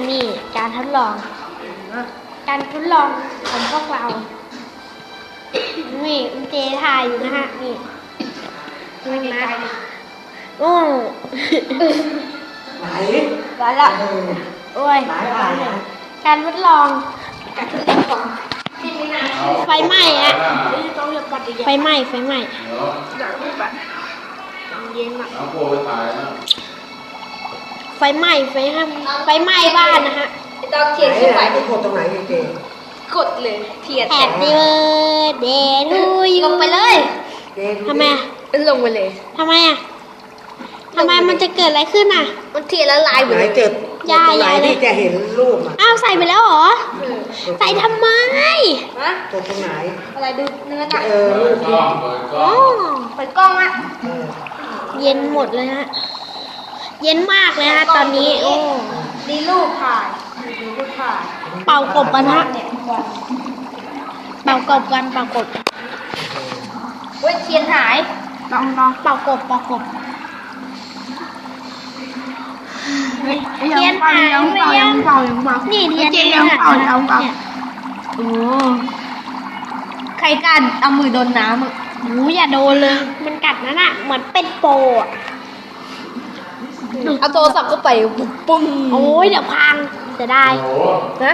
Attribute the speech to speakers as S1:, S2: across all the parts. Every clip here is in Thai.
S1: นี่การทดลอง การทดลองของพวกเรา นี่คุณเจถ่ายอยู่นะฮะ นี่นี่นะโอ้
S2: ไหน
S1: ร้อนละโอ้ย
S2: ไหนถ่ายนะ
S1: การทดลองไฟไหม้อะไฟไหม้ไฟไหม้เย็นอะไฟไหม้ไฟไหม้บ้านนะฮะ
S3: ตอนเทียนขึ้นไป
S2: ไปกดตรงไหนเจ
S3: กดเลยเทียน
S1: Happy birthday to you
S3: ลงไปเลย
S2: เจดู
S1: ทำไมอะ
S3: ลงไปเลย
S1: ทำไมอะทำไมมันจะเกิดอะไรขึ้นอะ
S3: มันเทียนละลายหมด
S2: ไหน
S3: เลย
S2: เจอตรงไหนที่จะเห็นรูปอ่ะ
S1: อ้าวใส่ไปแล้วเหรอ ใส่ทำไม
S3: ฮะ
S2: กดตรงไหน
S3: อะไรดูเนื้อหนัก
S2: รูปที่
S1: อ๋อ
S3: เปิดกล้องอะ
S1: เย็นหมดเลยฮะ เย็นมากเลยฮะตอนนี้ โอ้
S3: ดีรูปถ่ายดูรูปถ่าย
S1: เป่ากบกันฮะ เป่ากบกันเป่ากบ
S3: เว้ยเทียนหาย
S1: ลองเป่ากบเป่ากบเทียนหายเลยยังนี่เทียนยังเป่าเนี่ยโอ้
S3: ใครกันเอามือโดนน้ำอะ
S1: โหอย่าโดนเลย มันกัดนั่นอะเหมือนเป็นโปอะ
S3: เอาโทรศัพท์ก็ไปปุ๊บปุ้ง
S1: โอ้ยเดี๋ยวพังจะได้
S3: นะ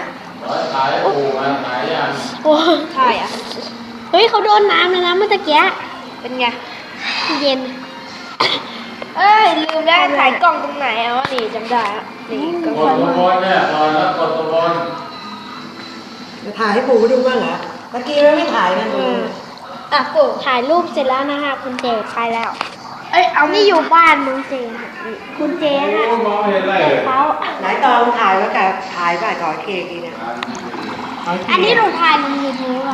S1: โอ้
S3: ถ่ายอะ
S1: เฮ้ยเขาโดนน้ำเลยนะเมื่อตะกี้
S3: เป็นไง
S1: เย็น
S3: เอ้ยลืมแล้วถ่ายกล้องตรงไหนเอาวะนี่จำได้อะนี่กล้อง
S4: กดตัวบนเนี่ยรอยแล้วกดตัวบน
S2: จะถ่ายให้ปู่ดูบ้างเหรอตะกี้ไม่ถ่ายนะดู
S3: อ่ะปู่
S1: ถ่ายรูปเสร็จแล้วนะคะคุณเจไปแล้ว เอ้ยเอานี่อยู่บ้านน้องเจค่ะนี่คุณเจฮะ
S4: โอ้มองไม่เห็นอะไรเลย
S1: เขา
S2: ไหนตอนถ่ายแล้วกับถ่ายไปขอเคกีเนี่ย
S1: อันนี้หนูถ่ายลงยูทูบก่อน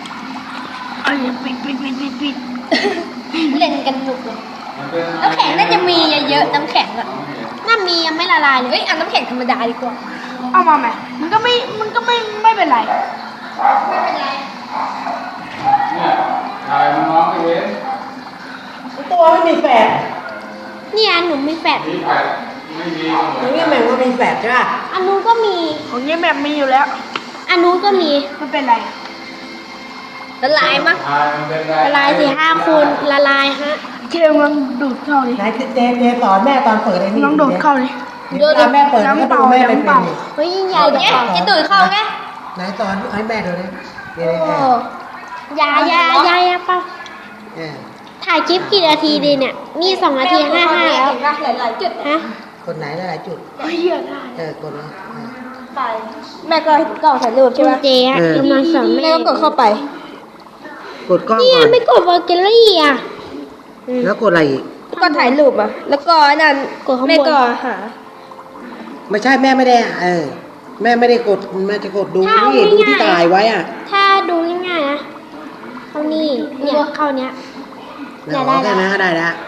S3: เล่นกันหนุกเลย
S4: มันเป็น
S3: น้ำแข็งน่าจะมีเยอะๆน้ำแข็งอะ
S1: น่ามียังไม่ละลายเล
S3: เฮ้
S1: ย
S3: ยเอาน้ำแข็งธรรมดาดีกว่า
S5: เอามาไหมมันก็ไม่เป็นไร
S3: ไม่เป็นไร
S4: เนี่ยถ่ายมันมองไม่เห็น
S2: ตัวไม่มีแฝด
S1: เนี่ยหนูมีแฟด
S4: มีแปดไม่มีก็เหมื
S2: ตร
S4: อง น
S2: นี้แม่งว่ามีแฝดใช่ป่ะ
S1: อันนู้นก็มี
S5: ของนี้แบบมีอยู่แล้ว
S1: อันนู้นก็มี
S5: ไม่เป็นไร
S3: ละลายมั้ง
S4: ถ่ายมันเป็น
S1: ละลาย4-5 คูณละลายฮะ
S5: เจมลองดูดเข้าดิ
S2: ไหนเจสอนแม่ตอนเปิดไอ้นี่
S5: ลองดูดเข้าดิ
S2: เดี๋ยวแม่เปิดให้ดูแม่ไปเป็น
S1: เฮ้ยยิ่งใหญ่
S3: เอา
S1: เดี๋ยว
S3: เนี้ย
S1: ก่อน
S3: จะดูดเข้าไง
S2: ไหนตอนให้แม่ดูดิเดี๋ยว
S3: โอ้
S1: อยาเปล่าถ่ายคลิปกี่นาทีดีเนี่ย มี2 นาที 55 แล้ว
S3: เห็นปะหลายๆจุด
S1: ฮะ
S2: คนไหนหลายจุด
S5: เฮ้ยเหี้ยได้
S2: กดเลย
S3: ไปแม่ก็กล่องถ่ายรูป
S1: คุ
S3: ใช่
S1: ณ
S3: ไหม
S1: เจฮะกำลังสอน
S3: แม่
S1: แม่
S3: ก็กดเข้าไป
S2: กดกล้อง
S1: เนี่ย
S2: ก่อน
S1: ไม่กดวอลเกลลี่อ่ะ
S2: แล้วกดอะไรอีก
S3: ก็ถ่ายรูปอ่ะแล้วก็นั่น
S1: กดข้างบน
S3: แม่ก็หา
S2: ไม่ใช่แม่ไม่ได้แม่ไม่ได้กดแม่จะกดดูนี่ดูที่ถ่ายไว้อ่ะ
S1: ถ้าดูง่ายๆนะเข้านี่เนี่ยเข้าเนี้ย
S2: แล้วแค่นั้นก็ได้แล้ว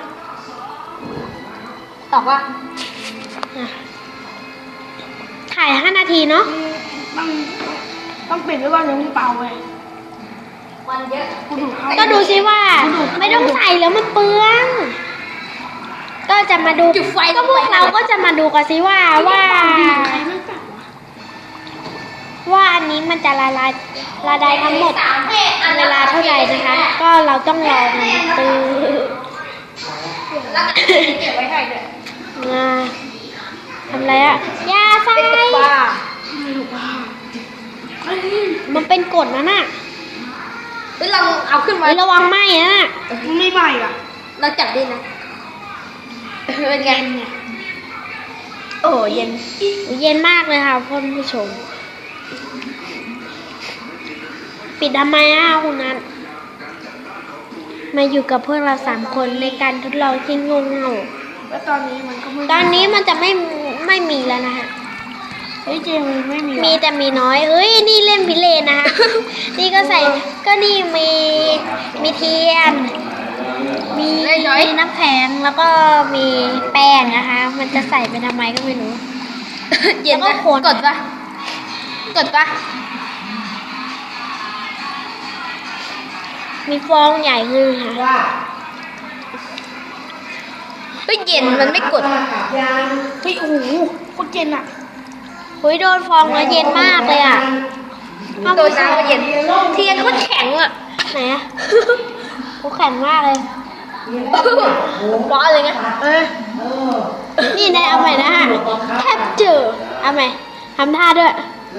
S3: ตอบว่า
S1: ถ่าย5 นาทีเนาะ
S5: ต้องปิดไว้ก่อนอย่าเพิ่งเป่าเว้ย
S3: วันเยอะ
S5: กูดูดเข้า
S1: ก็ดูซิว่า ไม่ต้องใส่แล้วมันเปลือง ก็จะมาดู
S3: จุดไฟ
S1: ก็พวกเราก็จะมาดูกันซิว่าว่าอันนี้มันจะละลายทั้งหมดเวลาเท่าไหร่นะคะ ก็เราต้องรอมันตื้อ
S3: แล้วก็เก็บไว้ให้ด้วย
S1: มาทำอะไรอะยาใส่
S3: เป็นกับว่า
S1: มันเป็นกฎนะน่ะ
S3: เฮ้ยเราเอาขึ้นมา
S1: เฮ้ยระวังไหม้นะน่ะ
S5: มันไม่ใหม่อ่ะ
S3: เราจับได้นะเป็นไงโอ้เย็น
S1: เย็นมากเลยค่ะท่านผู้ชม ปิดทำไมอ่ะคุณนัทมาอยู่กับพวกเรา3 คนในการทดลองที่งงเง่า
S5: แล้วตอนนี้มันก็ไม่
S1: ตอนนี้มันจะไม่มีแล้วนะคะ
S5: เฮ้ยเจมมันไม่มี
S1: มีแต่มีน้อย เอ้ยนี่เล่นพิเรนนะคะ นี่ก็ใส่ก็นี่มีเทียน มีน้ำแข็งแล้วก็มีแป้งนะคะ มันจะใส่ไปทำไมก็ไม่รู้
S3: เย็น
S1: แล้วก็
S3: ปะ
S1: คน
S3: กดปะกดปะ
S1: มีฟองใหญ่ขึ้นค่ะ
S2: ว่า
S3: เฮ้ยเย็นมันไม่กด
S2: ขับยาง
S5: เฮ้ยโอ้โหโคตรเจนอ่ะ
S1: หุยโดนฟองแล้วเย็นมากเลยอ่ะ
S3: โดนน้ำก็เย็นเทียนก็แข็งอ่ะ
S1: ไหนอ่ะโอ้แข็งมากเลย
S3: ร้อนเลยไง
S1: นี่นายเอาใหม่นะฮะแคปเจอร์เอาใหม่ทำท่าด้วย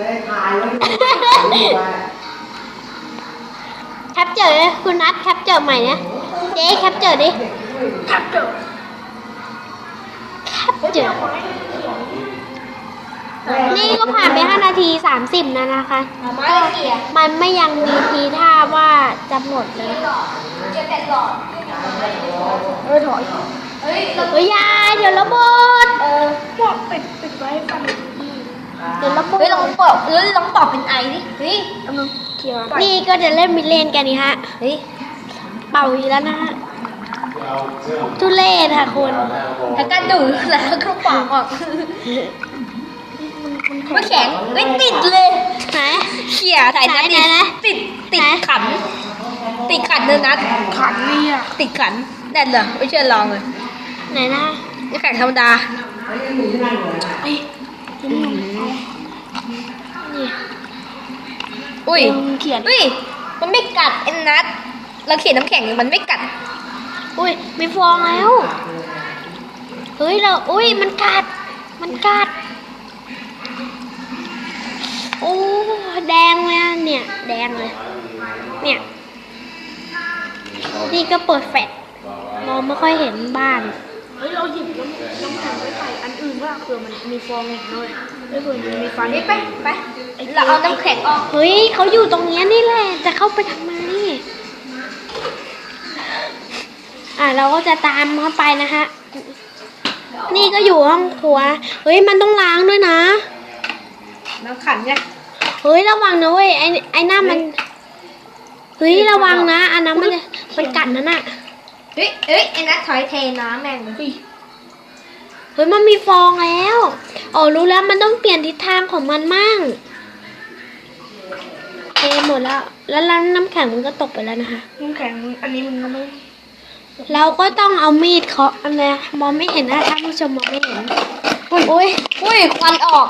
S1: แคปเจอร์เลยคุณนัทแคปเจอร์ใหม่นะเจ๊แคปเจอร์ดิแคปเจอร์นี่ก็ผ่านไป5 นาที 30นะนะคะ
S3: มาเกี่ย
S1: มันไม่ยังมีทีท่าว่าจะหมดเลย
S3: จะแต่หลอด
S5: ถอย
S3: เฮ้ย
S1: เฮ้ยยายเดี๋ยวระเบิด
S5: บอกปิดไว้ให้ฟัง
S1: เดี๋ยวระเบิ
S3: เฮ้ย
S1: ด
S3: ลองเปิดลองตอบเป็นไอดิเฮ้ย
S5: กำลังเกี่ยว
S1: นี่ก็จะเล่นมิดเลนกันนี่ฮะ
S3: เฮ้ย
S1: เป่าอีกแล้วนะฮะทุเรศค่ะคุณ
S3: แล้วก็ดูแล้วก็ปอกออกไม่แข็งไม่ติดเลย
S1: ไหน
S3: เขี่ยใส่นัด
S1: ไหนไหน
S3: ติดขัน ติดขันเนื้อนัด
S5: ขันนี่อ่ะ
S3: ติดขันแน่นเหรอไม่เชื่อลองเลย
S1: ไหนนะ
S3: นี่แข็งธรรมดา
S1: นี่
S3: อุ้ย
S5: เขียน
S3: อุ้ยมันไม่กัดไอ้นัดเราเขียนน้ำแข็งมันไม่กัด
S1: อุ้ยมีฟองแล้ว เฮ้ยเราอุ้ยมันกัด โอ้แดงเลยอะเนี่ย แดงเลย เนี่ย นี่ก็เปิดแฟลชมองไม่ค่อยเห็นบ้าน
S5: เฮ้ยเราหยิบน้ำแข็งไปใส่อันอื่นว่าเผื่อมันมีฟองอีกหน่อยไม่เผื่อมันมีไฟ
S3: ไปเราเอาน้ำแข็งออก
S1: เฮ้ยเขาอยู่ตรงเนี้ยนี่แหละ จะเข้าไปทำไม เราก็จะตามเข้าไปนะฮะ นี่ก็อยู่ห้องครัว เฮ้ยมันต้องล้างด้วยนะ
S3: น้ำขันเนี่ย
S1: เฮ้ยระวังนะเว้ยไอ้หน้ามัน เฮ้ยระวังนะอันนั้นมันกัดนั่นน่ะ
S3: เฮ้ยไอ้นัดถอยเทน้ำแม่งเลย
S1: เฮ้ยมันมีฟองแล้วอ๋อรู้แล้วมันต้องเปลี่ยนทิศทางของมันมั่งเทหมดแล้ว แล้วน้ำแข็งมันก็ตกไปแล้วนะคะ
S5: น้ำแข็งอันนี้มันก็ไม่
S1: เราก็ต้องเอามีดเคาะอันนี้มองไม่เห็นนะท่านผู้ชมมองไม่เห็นอุ้ย
S3: อุ้ยควันออก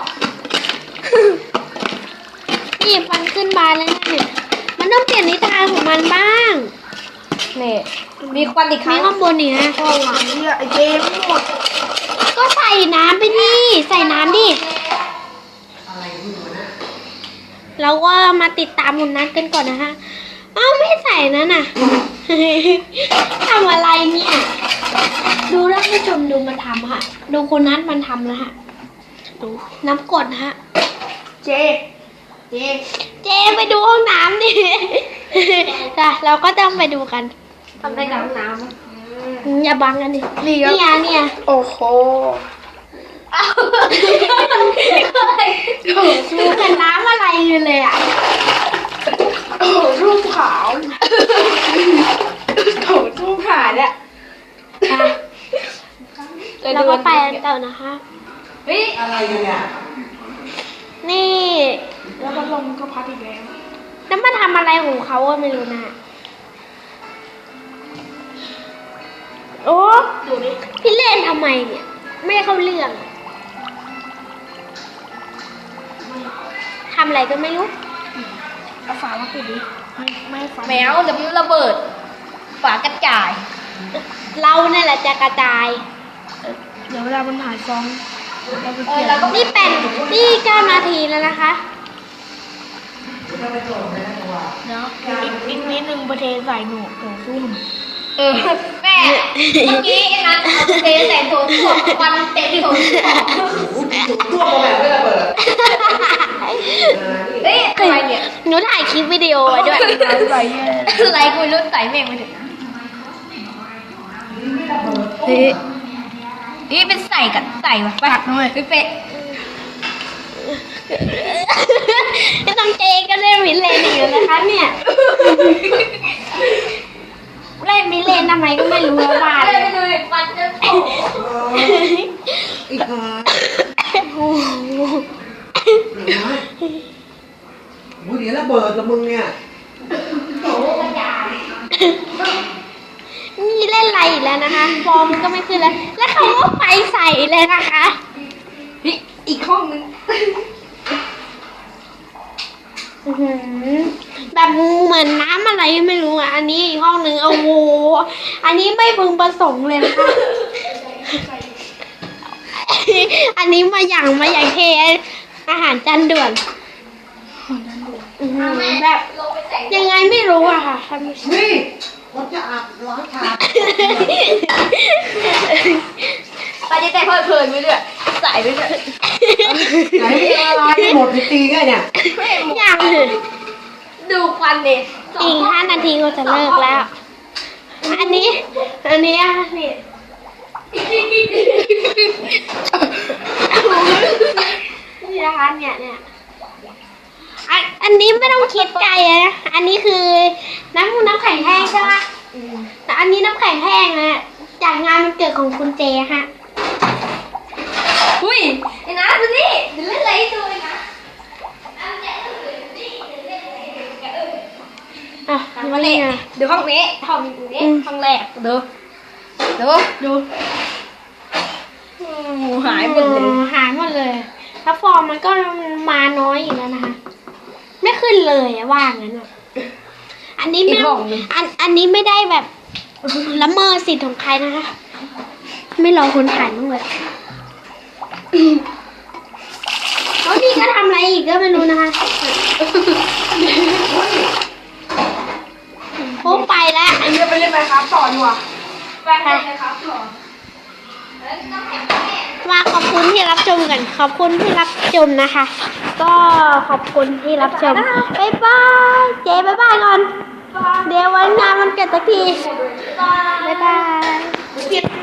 S1: นี่ฟันขึ้นบานแล้วนะเนี่ยมันต้องเปลี่ยนทิศทางของมันบ้าง
S3: นี่มีควันอีกค
S1: มี
S3: รั้ง
S1: ข้างบนนี่นะ
S5: ฟองหลังเนี่ยไอเจมหมด
S1: ก็ใส่น้ำไปดิใส่น้ำดิเราก็มาติดตามคุณนัทกันก่อนนะคะอ้าวไม่ใส่นั่นน่ะ ทำอะไรเนี่ย ดูท่านผู้ชมดูมันทำค่ะ ดูคุณนัทมันทำนะฮะดูน้ำกรดนะฮะ
S5: เจ
S1: เจไปดูห้องน้ำดิ จ้ะเราก็ต้องไปดูกัน
S3: ทำได้กับน้ำ
S1: อย่าบังกันดิเนี่ย
S5: โอ้โห
S3: อ้าว
S1: ดูกันน้ำอะไรอยู่เลยอ่ะ
S5: โอ้โหรูปขาวโอ้โหรูปขาวเนี่ย
S1: เราก็ไปกันต่อนะคะ
S3: เฮ้ย
S2: อะไรกันเนี่ย
S1: นี่
S5: แล้วพัดลมก็พัดอีกแล้ว
S1: แล้วมาทำอะไรของเขาก็ไม่รู้นะโอ้ดูดิพี่เล่นทำไมเนี่ย ไม่เข้าเรื่องทำอะไรก็ไม่รู้
S5: เอาฝามาปิดดิไม่ให้ฟัน
S3: แมวเดี๋ยวมันระเบิดฝากระจาย
S1: เราเนี่ยแหละจะกระจาย
S5: เดี๋ยวเวลามันหายฟองเราไปเกี่ยว
S3: แล้วก็
S1: นี่9 นาทีแล้วนะคะ
S5: เนาะอีกนิดนึงประเทศใส่หนูโถซุ่ม
S3: แม่เมื่อกี้ไอ้นัทเอาเทใส่โถส้วมควันเต็มโถส้วม
S2: ตัวแบบไม่ระเบิด
S3: เฮ้ยอะไรเนี่ย
S1: หนูถ่ายคลิปวิดีโอไว้ด้วย
S5: ใส่แย่
S3: อะไรกูรู้ใส่แม่งไปถึงเฮ้ยนี่เป็นใส่กับใส่วะไปหักหน่อยไปเป๊ะ
S1: ไม่ต้องเจก็เล่นมิเลนอยู่นะคะเนี่ย เล่นมิเลนทำไมก็ไม่รู้ว่าบ้าน
S3: เลยไปดูควันจะตก
S2: อีกหา
S1: โอ้โห
S2: เดี๋ยวระเบิดละมึงเนี่ย
S1: นี่เล่นอะไรอีกแล้วนะคะ ฟอร์มก็ไม่ขึ้นแล้ว แล้วเขาก็ไฟใส่เลยนะคะ
S3: อีกห้องนึง
S1: อื้อหือแบบเหมือนน้ำอะไรไม่รู้อ่ะ อันนี้อีกห้องหนึ่งโอ้โหอันนี้ไม่พึงประสงค์เลยนะคะ อันนี้มาอย่างเทอาหารจานด่วนอื้อหือแบบยังไงไม่รู้อะค่ะท่านผู้ชม
S2: นี่ผมจะอาบล้างชาม
S3: ไปจะแต่เพลินไปเรื่อยใส่ไปเรื่อย
S2: ไหนมีอะไรหมดไปตีไงเนี่ย
S1: อย่าง
S3: ดูควันดิ
S1: อีก5 นาทีก็จะเลิกแล้ว อันนี้อ่ะนี่นี่นะคะเนี่ยอันนี้ไม่ต้องคิดไกลนะ อันนี้คือน้ำแข็งแห้งใช่ไหมแต่อันนี้น้ำแข็งแห้งนะจากงานมันเกิดของคุณเจฮะ
S3: อุ้ยไอ้นะดูนี่เดี๋ยวเล่นอะไรให้ดูเลยนะ
S1: อ่ะมาเลยนะ
S3: ดูห้องนี้ห้องนี้ห้องแรกดูหายหมดเลย
S1: หายหมดเลยแล้วฟองมันก็มาน้อยอยู่แล้วนะคะ ไม่ขึ้นเลยอะว่างั้นอะอันนี้ไม่ต้องอันนี้ไม่ได้แบบละเมิดสิทธิ์ของใครนะคะ ไม่รอคนถ่ายบ้างเลยแล้วนี่ก็ทำอะไรอีกก็ไม่รู้นะคะโอ้ไปแล้ว
S5: เดี๋ยวไปเล่นไหมครับต่อดีกว่า
S3: ไปเลยครับต่อ
S1: มาขอบคุณที่รับชมกัน ขอบคุณที่รับชมนะคะ ก็ขอบคุณที่รับชม บ๊ายบาย เจ๊บ๊ายบายก่อน เดี๋ยววันงานมันเกิดสักที บ๊ายบาย